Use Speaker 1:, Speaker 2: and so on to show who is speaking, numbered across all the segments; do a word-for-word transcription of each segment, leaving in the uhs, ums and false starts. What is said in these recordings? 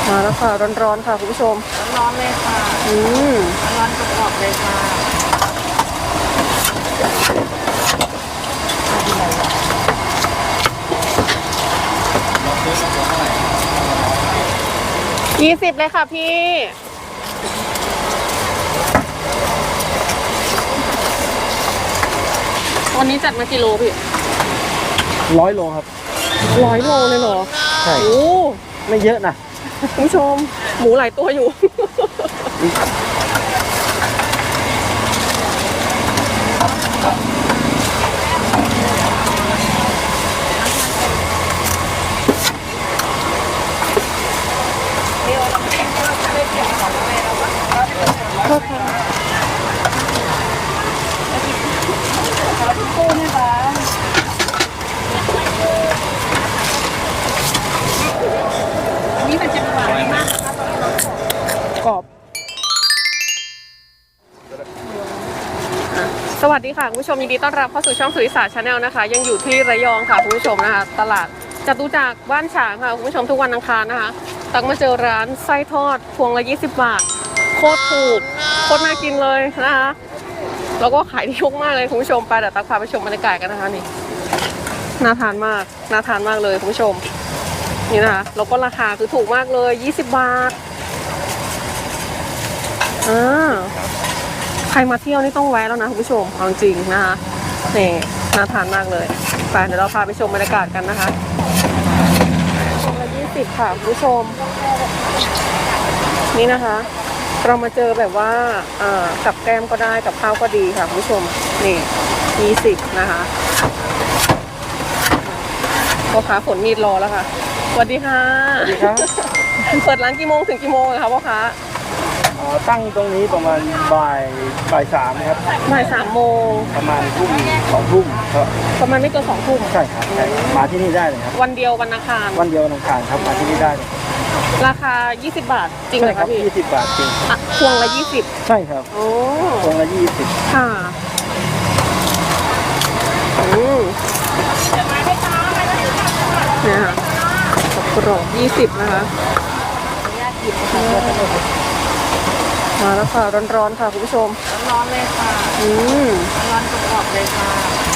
Speaker 1: มาแล้วค่ะร้อนๆค่ะคุณผู้ชม
Speaker 2: ร้อนๆเลยค่ะ
Speaker 1: อืม
Speaker 2: ร้อนๆกรอบๆเลยค่ะ
Speaker 1: ยี่สิบเลยค่ะพี่วันนี้จัดมากี่โลพี่
Speaker 3: ร้อยโลครับ
Speaker 1: ร้อยโลเลยเหรอ
Speaker 3: ใช่
Speaker 1: โอ้
Speaker 3: ไม่เยอะนะ
Speaker 1: คุณผู้ชมหมูหลายตัวอยู่โทษค่ะ
Speaker 2: กู้ไหมคะนี่มันจะหวานมาก
Speaker 1: กรอบสวัสดีค่ะคุณผู้ชมยินดีต้อนรับเข้าสู่ช่องสุริศาสตร์ชาแนลนะคะยังอยู่ที่ระยองค่ะคุณผู้ชมนะคะตลาดจตุจักรบ้านฉางค่ะคุณผู้ชมทุกวันอังคารนะคะตักมาเจอร้านไส้ทอดพวงละยี่สิบบาทโคตรถูกโคตรน่ากินเลยนะคะแล้วก็ขายดีมากเลยคุณผู้ชมไปเดี๋ยวตักพาไปชมบรรยากาศกันนะคะนี่น่าทานมากน่าทานมากเลยคุณผู้ชมนี่นะคะแล้วก็ราคาคือถูกมากเลยยี่สิบบาทอ่าใครมาเที่ยวนี่ต้องแวะแล้วนะคุณผู้ชมเอาจริงนะคะนี่น่าทานมากเลยไปเดี๋ยวเราพาไปชมบรรยากาศกันนะคะพวงละยี่สิบค่ะคุณผู้ชมนี่นะคะเรามาเจอแบบว่าอ่ากับแก้มก็ได้กับข้าวก็ดีค่ะคุณผู้ชมนี่ยี่สิบนะคะพ่อค้าฝนมีดรอแล้วค่ะสวัสดีค่ะ
Speaker 3: สวัสดีครับ
Speaker 1: เปิดร้านกี่โมงถึงกี่โมงคะพ่อค้า
Speaker 3: ตั้งตรงนี้ประมาณบ่ายบ่ายสามครับ
Speaker 1: บ่ายสามโมง
Speaker 3: ประมาณทุ่มสองทุ่มครับ
Speaker 1: ประมาณไม่เกินสองทุ่ม
Speaker 3: ใช่ครับมาที่นี่ได้เลยครับ
Speaker 1: วันเดียววันอังคาร
Speaker 3: วันเดียววันอังคารครับมาที่นี่ได้เลย
Speaker 1: ราคายี่สิบบาทจริงเหรอคะพี่
Speaker 3: ยี่สิบบาทจริง
Speaker 1: พวงละยี่สิบ
Speaker 3: ใช่ครับ
Speaker 1: โอ้
Speaker 3: พวงละยี่สิบ
Speaker 1: ค่ะอืมเนี่ยค่ะกรอบยี่สิบนะคะมาแล้วค่ะร้อนๆค่ะคุณผู้ชม
Speaker 2: ร้อนๆเลยค่ะ
Speaker 1: อืม
Speaker 2: ร้อนๆกรอบๆเลยค่ะ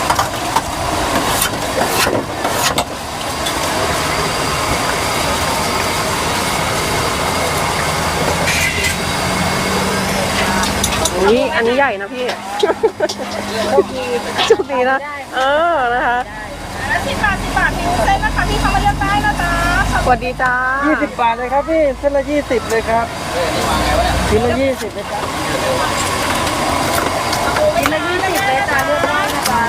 Speaker 1: นี่อันนี้ใหญ่นะพี่โชคดีโชคดีนะเออนะคะ
Speaker 2: สิบบาทสิบบาทพี่เส้นนะคะพี่เข้ามาเลือกได้นะจ๊ะ
Speaker 1: สวัสดีจ้า
Speaker 3: ยี่สิบบาทเลยครับพี่เส้นละยี่สิบเลยครับชิ้นละยี่สิบเลยครับ
Speaker 2: ชิ้นละยี่สิบเลยจ้าเลือกได้นะจ๊ะ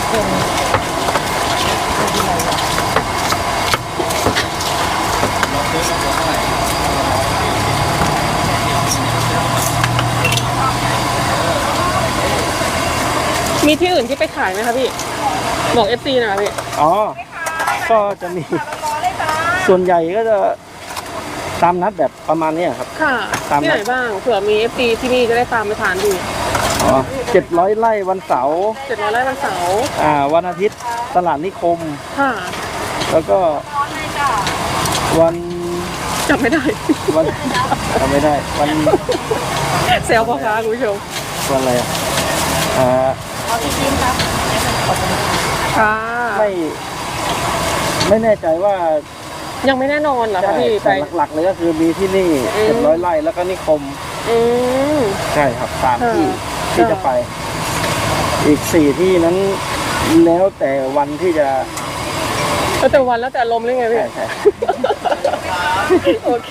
Speaker 1: มีที่อื่นที่ไปขายไหมคะพี่บอก เอฟ ซี หน่อยพี่
Speaker 3: อ๋อก็จะมีส่วนใหญ่ก็จะตามนัดแบบประมาณนี้ครับ
Speaker 1: ค่ะที่ไหนบ้างเผื่อมี เอฟ ซี ที่นี่จะได้ตามไปทานดู
Speaker 3: อ๋อเจ็ดร้อยไร่วันเสาร์
Speaker 1: เจ็ดร้อยไร่วันเสาร์
Speaker 3: อ่าวันอาทิตย์ตลาดนิคม
Speaker 1: ค่ะ
Speaker 3: แล้วก็วัน
Speaker 1: จำไม่ได้
Speaker 3: วันจำไม่ได้วัน
Speaker 1: เซลพ่อค้าคุณผู้ชม
Speaker 3: วันอะไรอ่ะอ่า
Speaker 2: เอาจริงๆครับ
Speaker 1: ค่ะ
Speaker 3: ไม่ไม่แน่ใจว่า
Speaker 1: ยังไม่แน่นอนเหรอคะพี่
Speaker 3: แต่หลักๆเลยก็คือมีที่นี่เจ็ดร้อยไร่แล้วก็นิคม
Speaker 1: อืม
Speaker 3: ใช่ครับสามที่ที่จะไปอีกสี่ที่นั้นแล้วแต่วันที่จะ
Speaker 1: แล้วแต่วันแล้วแต่ลมเลยไงพี่
Speaker 3: ใช่
Speaker 1: โอเค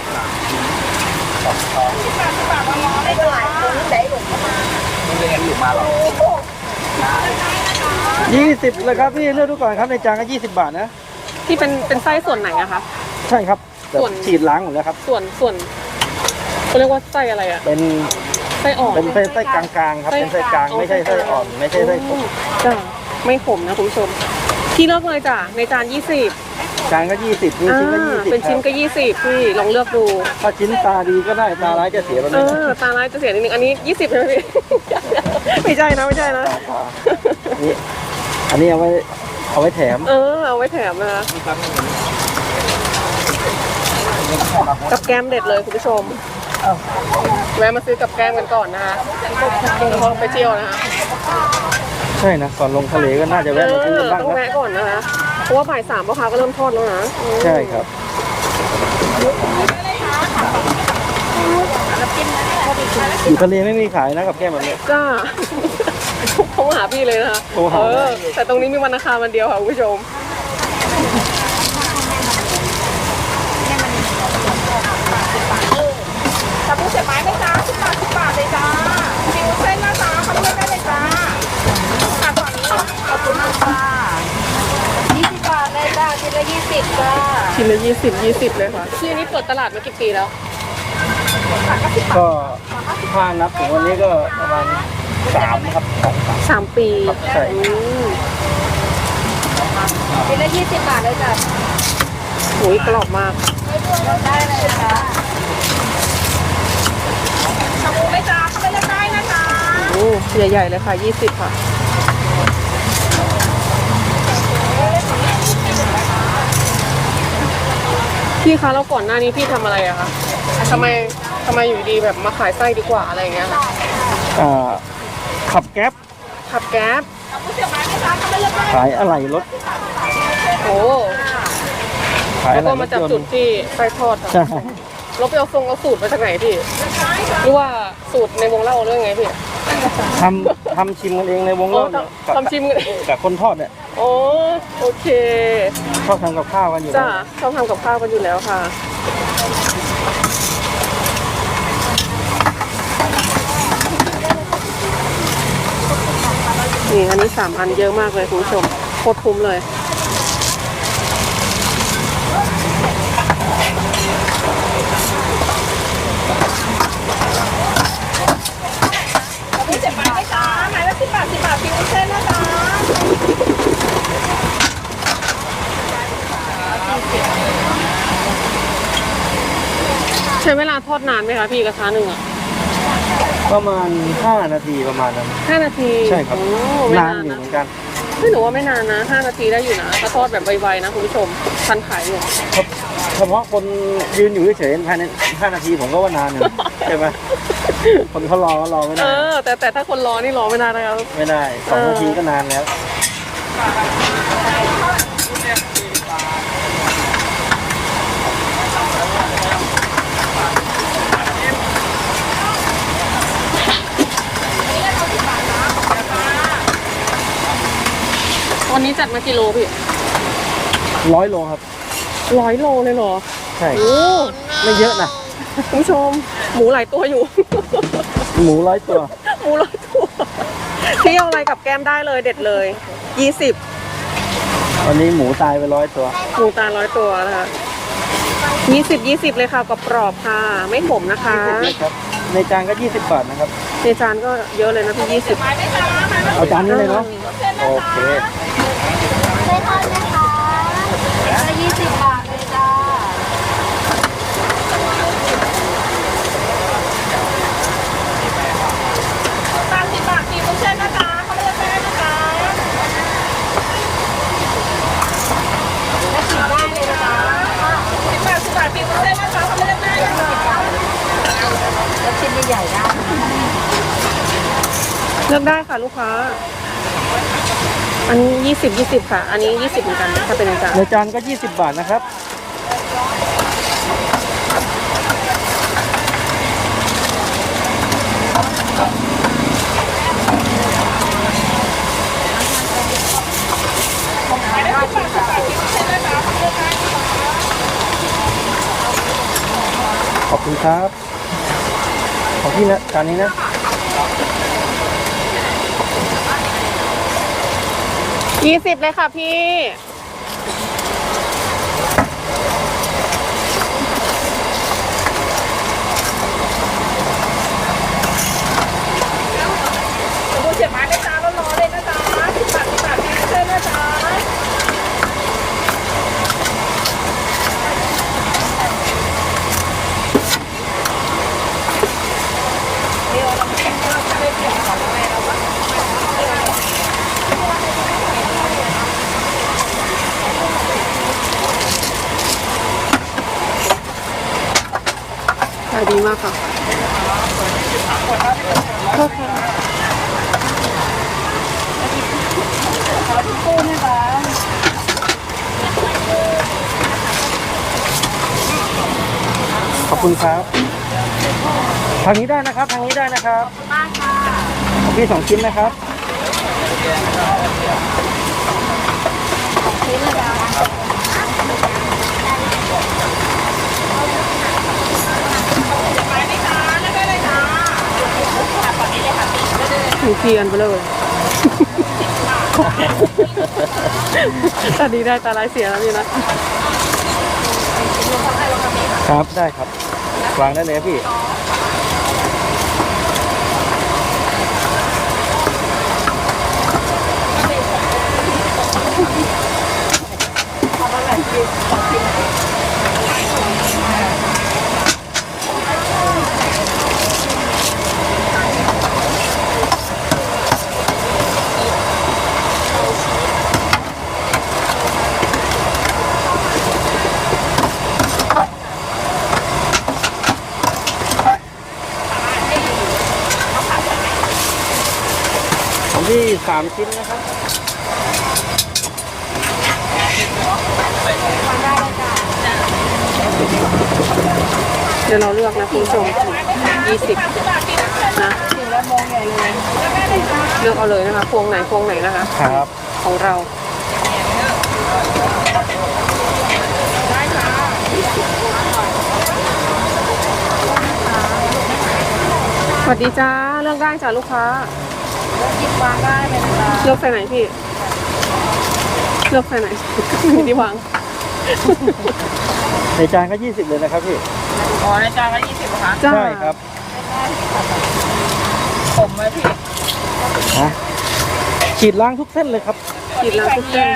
Speaker 3: ยี่สิบเลยครับพี่เลือกดูก่อนครับในจานก็ยี่สิบบาทนะ
Speaker 1: ที่เป็นเป็นไส้ส่วนไหนอะคะ
Speaker 3: ใช่ครับส่วนฉีดล้างหมดแล้วครับ
Speaker 1: ส่วนส่วนเขาเรียกว่าไส้อะไรอะ
Speaker 3: เป็น
Speaker 1: ไส้อ่อน
Speaker 3: เป็นไส้ไส้กลางๆครับเป็นไส้กลางไม่ใช่ไส้อ่อนไม่ใช่ไส้ขม
Speaker 1: จ้าไม่ขมนะคุณผู้ชมที่เลือกเลยจ้ะในจานยี่สิบ
Speaker 3: จานก็ยี่สิบนี่ชิ้นก็ยี่สิบ
Speaker 1: เป็นชิ้นก็ยี่สิบพี่ลองเลือกดู
Speaker 3: ถ้าชิ้นตาดีก็ได้ตาร้ายจะเสียไปเลย
Speaker 1: เออตาร้ายจะเสียนิดนึงอันนี้ยี่สิบใช่ไหมพี่ไม่ใช่นะไม่ใช่นะ
Speaker 3: นี่อันนี้เอาไว้เอาไว้แถม
Speaker 1: เออเอาไว้แถมนะคะกับแก้มเด็ดเลยคุณผู้ชมแวะมาซื้อกับแก้มกันก่อนนะคะแล้วก็ไปเที่ยวนะคะ
Speaker 3: ใช่นะก่อนลงทะเลก็น่าจะแวะมาซื้อกันบ้าง
Speaker 1: ต้อง
Speaker 3: นะ
Speaker 1: แวะก่อนนะคะเพราะว่าบ่ายสามพ่อค้าก็เริ่มทอดแล้วนะอืม
Speaker 3: ใช่ครับอยู่ทะเลไม่มีขายนะกับแก้มแบบนี้
Speaker 1: จ้าเขาหาพี่เลยนะคะ
Speaker 3: โทรหา
Speaker 1: เออแต่ตรงนี้มีวันอังคารวันเดียวค่ะคุณผู้ชม
Speaker 2: ชาบูเสียบไม้ไหมจ้าสิบบาทสิบบาทเลยจ้าฟิวเส้นนะจ้าเขาเลือกได้เลยจ้าค่ะฝั่งนี้ขอบคุณมากค่ะยี่สิบบาทเลยจ้าชิ้นละยี่สิบจ้า
Speaker 1: ชิ้นละยี่สิบยี่สิบเลยค่ะที่นี้เปิดตลาดมากี่ปีแล้ว
Speaker 3: ก็ถ้านับถึงวันนี้ก็ประมาณสามครับสองสาม
Speaker 1: สามปี
Speaker 3: ใช่
Speaker 1: อืม
Speaker 2: ชิ้นละยี่สิบบาทเลยจ้า
Speaker 1: โอ้ยกรอบมาก
Speaker 2: ได้เลยจ้าชาบูไหมจ้าเขาเลือกได้นะจ้า
Speaker 1: โอ้ใหญ่ๆเลยค่ะยี่สิบค่ะพี่คะแล้วก่อนหน้านี้พี่ทำอะไรอะคะทำไมทำไมอยู่ดีแบบมาขายไส้ดีกว่าอะไรอย่างเงี้ยค่ะ
Speaker 3: อ่าขับแก๊ป
Speaker 1: ขับแก๊ป
Speaker 2: ชาบูเสียบไม้ไหมจ้าเขาเลือกได้
Speaker 3: ขายอะไหล่รถ
Speaker 1: โอ้
Speaker 3: ขาย
Speaker 1: แล้
Speaker 3: อะ
Speaker 1: ว
Speaker 3: ไหล่
Speaker 1: ก็
Speaker 3: ร
Speaker 1: มา
Speaker 3: ถ
Speaker 1: จาก
Speaker 3: ยน
Speaker 1: จุด
Speaker 3: ต์
Speaker 1: ที่ไส้ทอดอะ
Speaker 3: ใช่
Speaker 1: เราไปเอาทรงเอาสูตรมาจากไหนพี่หรือว่าสูตรในวงเล่าเรื่องไงพี่
Speaker 3: ทำทำชิมกันเองในวง
Speaker 1: อ๋อ
Speaker 3: เล่าเนี่ย
Speaker 1: ทำทำชิมกัน
Speaker 3: กับคนทอดเนี่ย
Speaker 1: โอ้โอเค
Speaker 3: ชอบทำกับข้าวกันอยู่
Speaker 1: จ้า
Speaker 3: แล้ว
Speaker 1: ชอบทำกับข้าวกันอยู่แล้วค่ะนี่อันนี้สามอันเยอะมากเลยคุณผู้ชมโคตรคุ้มเลย
Speaker 2: ชาบูเสียบไม้ไหมจ้าไม้ละสิบบาทสิบบาทฟิวเส้นนะจ้า
Speaker 1: ใช้เวลาทอดนานไหมคะพี่กระทะหนึ่งอ่ะ
Speaker 3: ประมาณห้านาทีประมาณนั้น
Speaker 1: ห้านาที
Speaker 3: ใช่ครับ
Speaker 1: โอ้ไม่
Speaker 3: นาน
Speaker 1: นาน
Speaker 3: อยู่
Speaker 1: นะ
Speaker 3: เหมือนกัน
Speaker 1: ไม่หนูว่าไม่นานนะห้านาทีได้อยู่นะถ้าทอดแบบไวๆนะคุณผู้ชมทันขายอยู่
Speaker 3: เฉพาะคนยืนอยู่เฉยๆภายในห้านาทีผมก็ว่านานอยู่ใช่ไหมคนเขารอก็รอไม่
Speaker 1: เอ
Speaker 3: ได้
Speaker 1: อ แต่แต่ถ้าคนรอนี่รอไม่นานนะครับ
Speaker 3: ไม่ได้สอง
Speaker 1: เออ
Speaker 3: นาทีก็นานแล้ว
Speaker 1: วันนี้จัดมากี่โลพี่
Speaker 3: ร้อยโลครับ
Speaker 1: ร้อยโลเลยเหรอ
Speaker 3: ใช่
Speaker 1: โอ้
Speaker 3: ไม่เยอะนะ
Speaker 1: คุณผู้ชม หมูหลายตัวอยู่
Speaker 3: หมูร้อยตัว
Speaker 1: หมูร้อยตัวพี่เอาอะไรกับแก้มได้เลยเด็ดเลยยี่สิบ
Speaker 3: วันนี้หมูตายไปร้อยตัว
Speaker 1: หมูตาลร้อยตัวนะคะยี่สิบยี่สิบเลยค่ะกรอบๆค่ะ ไม่ขมนะคะ
Speaker 3: ครับในจานก็ยี่สิบบาทนะครับ
Speaker 1: ในจานก็เยอะเลยนะพี่ยี่สิบ
Speaker 2: ไม้ไหมจ้าไม้ละ
Speaker 3: เอาจานนี้เลยเนาะ
Speaker 2: เส้นนะ
Speaker 3: โอ
Speaker 2: จ้า
Speaker 3: เค
Speaker 2: ไม่ทอดนะคะละยี่สิบบาทเลยจ้าสามสิบบาทกี่วุ้นเส้นนะจ๊ะเขาเลือกได้นะจ๊ะและชิมได้เลยนะจ๊ะสิบบาทสิบบาทกี่วุ้นเส้นนะจ๊ะเขาเลือกได้นะจ๊ะแล้วชิ้นใหญ่ๆได้
Speaker 1: เลือกได้ค่ะลูกค้า อันนี้ยี่สิบยี่สิบค่ะ อันนี้ยี่สิบเหมือนกันถ้าเป็นในจาน
Speaker 3: ในจานก็ยี่สิบบาทนะครับ ขอบคุณครับ ของพี่นะจานนี้นะ
Speaker 1: ยี่สิบเลยค่ะพี่
Speaker 2: ดูเสียบไม้นะจ๊ะร้อนๆเลยนะจ๊ะสิบบาทสิบบาทกี่วุ้นเส้นนะจ๊ะ
Speaker 3: ข
Speaker 1: ขายดีมากค่ะโทษค่ะ
Speaker 2: ตู้นี่ค่ะ
Speaker 3: ขอบคุณครับทางนี้ได้นะครับทางนี้ได้นะครับ
Speaker 2: มากค่ะ
Speaker 3: ของพี่สองชิ้นนะครับ
Speaker 2: นี่นะจ๊ะไม้ไม่จ้าได้ได้เลยจ้าฝั่งนี้เลยค่ะ
Speaker 1: มีเทียนไปเลยตอนนี้ได้ตาลายเสียแล้วนี่นะครับ
Speaker 3: ได้ครับวางได้เลยครับพี่ของพี่สามชิ้นนะครับ
Speaker 1: เดี๋ยวเราเลือกนะคุณผู้ชมยี่สิบนะ
Speaker 2: ถึงแล้วมองใหญ่เลยได้เลยจ้า
Speaker 1: เลือกเอาเลยนะคะพวงไหนพวงไหนนะคะ
Speaker 3: ครับ
Speaker 1: ของเราสวัสดีจ้าเลือกได้จ้าลูกค้า
Speaker 2: หยิบวางได้เลยนะจ๊ะ
Speaker 1: เลือกใส่ไหนพี่เลือกใส่ไหน ไม่ที่วาง
Speaker 3: ในจานก็ยี่สิบเลยนะครับพี่
Speaker 2: อ๋อในจานละยี่สิบเหรอคะ
Speaker 1: จ้า
Speaker 3: ใช่ครับ
Speaker 2: ผมไหมพี่
Speaker 3: ฮะฉีดล้างทุกเส้นเลยครับ
Speaker 1: กินแล้วทุกเส้น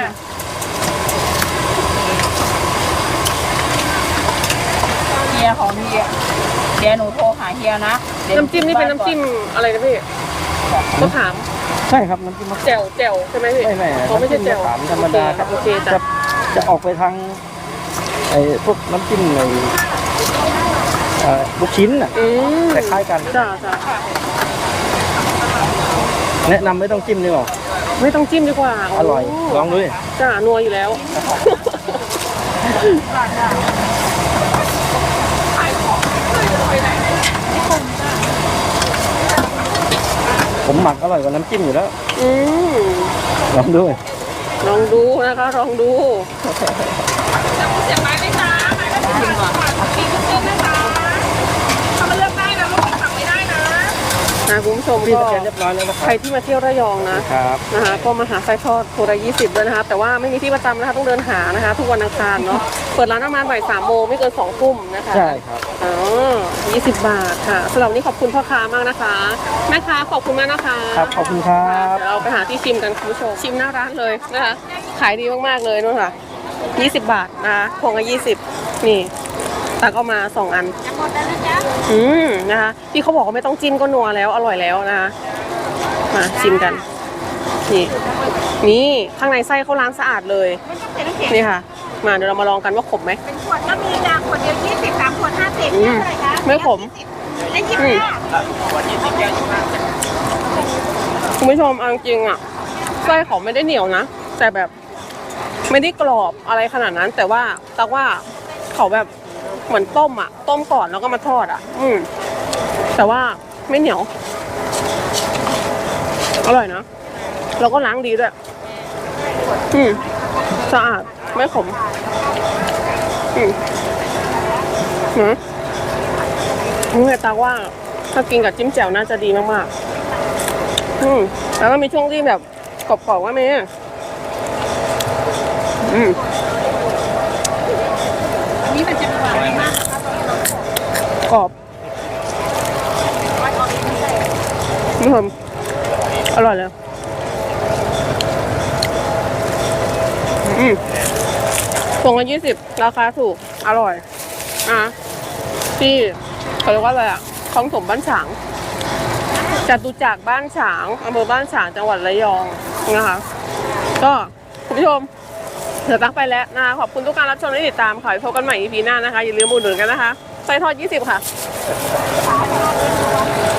Speaker 2: เฮียของเฮียเดี๋ยวหนูโทรหาเฮียนะดี๋ยว
Speaker 1: น้ำจิ้มนี่เป็นน้ำจิ้มอะไรนะพี่มะขาม
Speaker 3: ใช่ครับน้ำจิ้มมะขาม
Speaker 1: แจ่วแจ่วใช่ไหมพี่
Speaker 3: ไม่ไม่
Speaker 1: เขาไม่ใช่แจ่ว
Speaker 3: น้ำจิ้มมะขามธรรมดาครับ
Speaker 1: โอเค
Speaker 3: จะ
Speaker 1: จ้ะ
Speaker 3: จะออกไปทางไอ้พวกน้ำจิ้มในเอ่อลูกชิ้นน่ะ
Speaker 1: อืม
Speaker 3: คล้ายๆกัน
Speaker 1: จ้าจ้า
Speaker 3: แนะนำไม่ต้องจิ้มดีกว่า
Speaker 1: ไม่ต้องจิ้มดีกว่า
Speaker 3: อร่อยลองดูดิ
Speaker 1: จ้านัวอยู่แล้ว
Speaker 3: ผมหมักอร่อยกว่าน้ำจิ้มอยู่แล้ว
Speaker 1: อืม
Speaker 3: ลองดู
Speaker 1: ลองดูนะคะลองดู
Speaker 2: เสียบไม้ไหมจ๊ะไม้ละสิบบาทมีทุกเส้นนะจ๊ะเขามาเลือกได้นะลูกสั่งไม่ได้นะ
Speaker 1: นะคุณผู้ชม
Speaker 3: พี่
Speaker 1: ก็
Speaker 3: สแกนเรียบร้อยแล้วนะค
Speaker 1: ใคร
Speaker 3: รับ
Speaker 1: ที่มาเที่ยวระยองนะครับ นะคะก็มาหาไส้ทอดโครายี่สิบด้วยนะคะแต่ว่าไม่มีที่ประจำนะคะต้องเดินหานะคะ ทุกวันอังคารเนาะเปิดร้านประมาณบ่ายสามโมงไม่เกินสองทุ่มนะคะ
Speaker 3: ใช่ครับ
Speaker 1: อ๋อยี่สิบบาทค่ะสำหรับวันนี้ขอบคุณพ่อค้ามากนะคะแม่ค้าขอบคุณมากนะคะ
Speaker 3: ครับขอบคุณครับ
Speaker 1: เดี๋ยวเราไปหาที่ชิมกันคุณผู้ชมชิมหน้าร้านเลยนะคะขายดีมากๆเลยนู่นค่ะยี่สิบบาทนะคะพวงละยี่สิบนี่ตักเอามาสองอัน
Speaker 2: จะหมดแล้วนะจ๊ะ
Speaker 1: อืมนะคะที่เขาบอกว่าไม่ต้องจิ้มก็นัวแล้วอร่อยแล้วนะคะมาชิมกันนี่นี่ข้างในไส้เขาล้างสะอาดเลย
Speaker 2: ไม่ต้องใส่น้ำแข็ง
Speaker 1: นี่ค่ะ มาเดี๋ยวเรามาลองกันว่าขมไหม
Speaker 2: เป็นขวดก็มีจ้ะขวดเดียวยี่สิบสามขวดห้าสิบ
Speaker 1: อืม
Speaker 2: เท่าไหร่คะ
Speaker 1: ไม่ขม
Speaker 2: ได้ยี่
Speaker 1: อื
Speaker 2: สิ
Speaker 1: ม
Speaker 2: บห้า
Speaker 1: คุณผู้ชมเอาจริงๆอ่ะไส้เขาไม่ได้เหนียวนะแต่แบบไม่ได้กรอบอะไรขนาดนั้น แต่ว่าตักว่าเขาแบบเหมือนต้มอ่ะ ต้มก่อนแล้วก็มาทอดอ่ะ อืมแต่ว่าไม่เหนียวอร่อยนะแล้วก็ล้างดีด้วยอืมสะอาดไม่ขมอืมหืมนี่ตาว่าถ้ากินกับจิ้มแจ่วน่าจะดีมากๆอืมแล้วก็มีช่วงที่แบบกรอบๆก็มีอืม
Speaker 2: อันนี้มันจะหวานมาก
Speaker 1: กรอบนี่ผมอร่อยเลยอืมพวงละยี่สิบราคาถูกอร่อยอ่ะที่เขาเรียกว่าอะไรอ่ะคลองถมบ้านฉางจตุจักรบ้านฉางอำเภอบ้านฉางจังหวัดระยองนะคะก็คุณผู้ชมเดี๋ยวตักไปแล้วนะคะขอบคุณทุกการรับชมและติดตามขอให้พบกันใหม่ อี พี หน้านะคะอย่าลืมอุดหนุนกันนะคะไส้ทอดยี่สิบค่ะ